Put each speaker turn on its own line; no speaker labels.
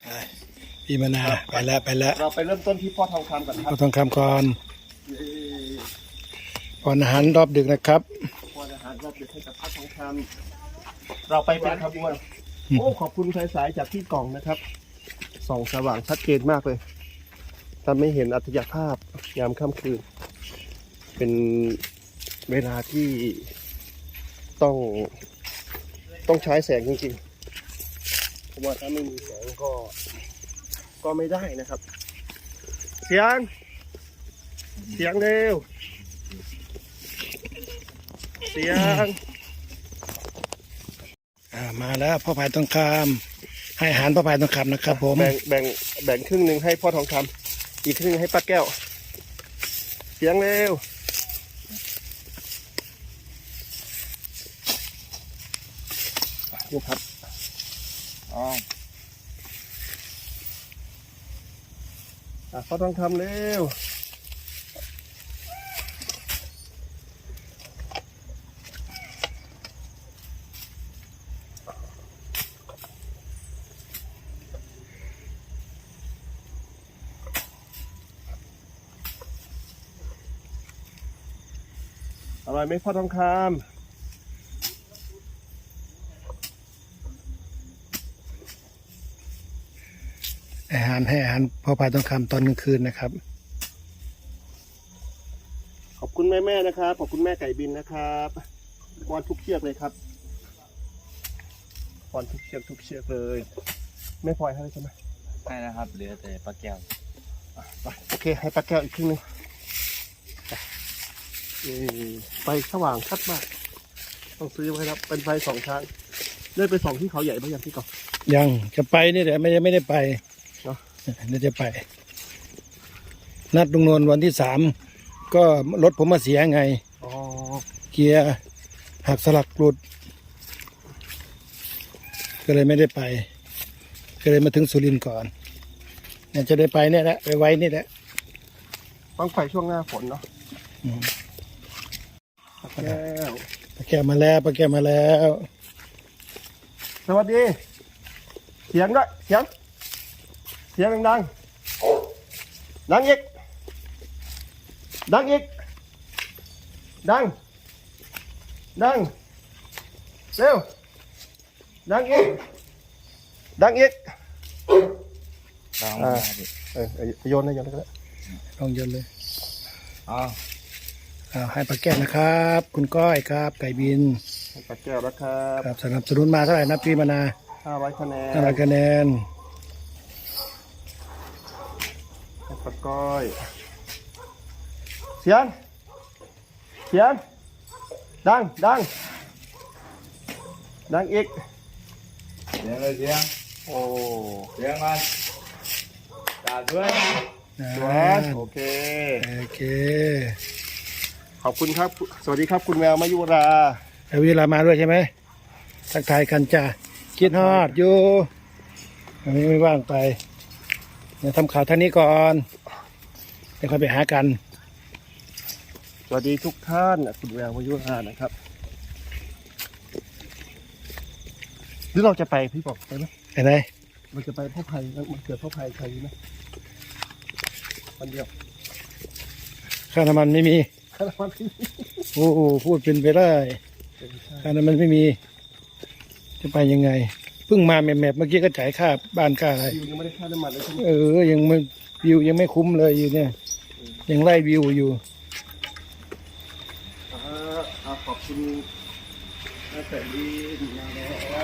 พี่มนาไปแล้ว
เราไปเริ่มต้นที่พ่อทองคำก่อนครับ
พ่อทองคำก่อนก่อนอาหารรอบดึกนะครับ
พ่ออาหารรอบดึกให้กับพ่อทองคำเราไปเป็นขบวนโอ้ขอบคุณสายจากที่กล่องนะครับส่องสว่างชัดเจนมากเลยทำให้เห็นอัตยภาพยามค่ำคืนเป็นเวลาที่ต้องใช้แสงจริงๆเพราะว่าถ้าไม่มีแสงก็ไม่ได้นะครับเสียงเร็วเสียง
มาแล้วพ่อพายทองคำให้อาหารพ่อพายทองคำนะครับผม
แบ่งครึ่งหนึ่งให้พ่อทองคำอีกครึ่งให้ป้าแก้วเสียงเร็วนี่ครับพ่อทองคำเร็วอร่อยไหมพ่อทองคำ
ให้อาหารพ่อพายทองคำตอนกลางคืนนะครับ
ขอบคุณแม่นะครับขอบคุณแม่ไก่บินนะครับป้อนทุกเชือกเลยครับป้อนทุกเชือกเลยไม่พลอยให้ใช่ไหม
ให้นะครับเหลือแต่ปลาแก้ว
โอเคให้ป้าแก้วอีกครึ่งนึงไฟสว่างชัดมากต้องซื้อไว้ครับเป็นไฟ2 ทางเลื่อนไป2ที่เขาใหญ่บ้างยังพี่ก่อน
ยังจะไปนี่แหละไม่ได้ไป
เนาะ
เดี๋ยวจะไปนัดลุงนวลวันที่3ก็รถผมมาเสียไงเกียร์หักสลักหลุดก็เลยไม่ได้ไปก็เลยมาถึงสุรินทร์ก่อนเนี่ยจะได้ไปเนี่ยแหละไปไว้นี่แหละ
ต้องไปช่วงหน้าฝนเนาะป้าแก้ว
มาแล้ว
สวัสดีเสียงด้วยเสียงดังอีกดังเร็วดังอีกโยนก็ได้
ลองโยนเลยให้ป้าแก้วนะครับคุณก้อยครับไก่บิน
ให้ป้าแก้วนะครับ
สนับสนุนมาเท่าไหร่นะพี่มานา
500 คะแนนให้ป้าก้อยเสียงดังอีก
เสียงเลย
โอ้
เสียงมันจัดด้วย
โอเคขอบคุณครับสวัสดีครับคุณแววมายุรา
วิลามาด้วยใช่ไหมทักทายกันจ้าคิดฮอดอยู่ไม่ว่างไปเดี๋ยวทำข่าวท่านนี้ก่อนเดี๋ยวค่อยไปหากัน
สวัสดีทุกท่านคุณแววมายุรานะครับหรือเราจะไปพี่บอกไปไหม
ไปไหน
เราจะไปพ่อไผ่มันเกิดพ่อไผ่ใครไหมวันเดียว
ค่าน้ำมันไม่มีโอ้โหพูดเป็นไปได้ค่าน้ำมันไม่มีจะไปยังไงเพิ่งมาแมปเมื่อกี้ก็จ่ายค่าบ้านค่าอะไร
ยังไม่ได้ค่าน้ำมันเลยใช่ไหม
ยังไม่วิวยังไม่คุ้มเลยอยู่เนี่ยยังไล่วิวอยู่
ขอบคุณแต่ดี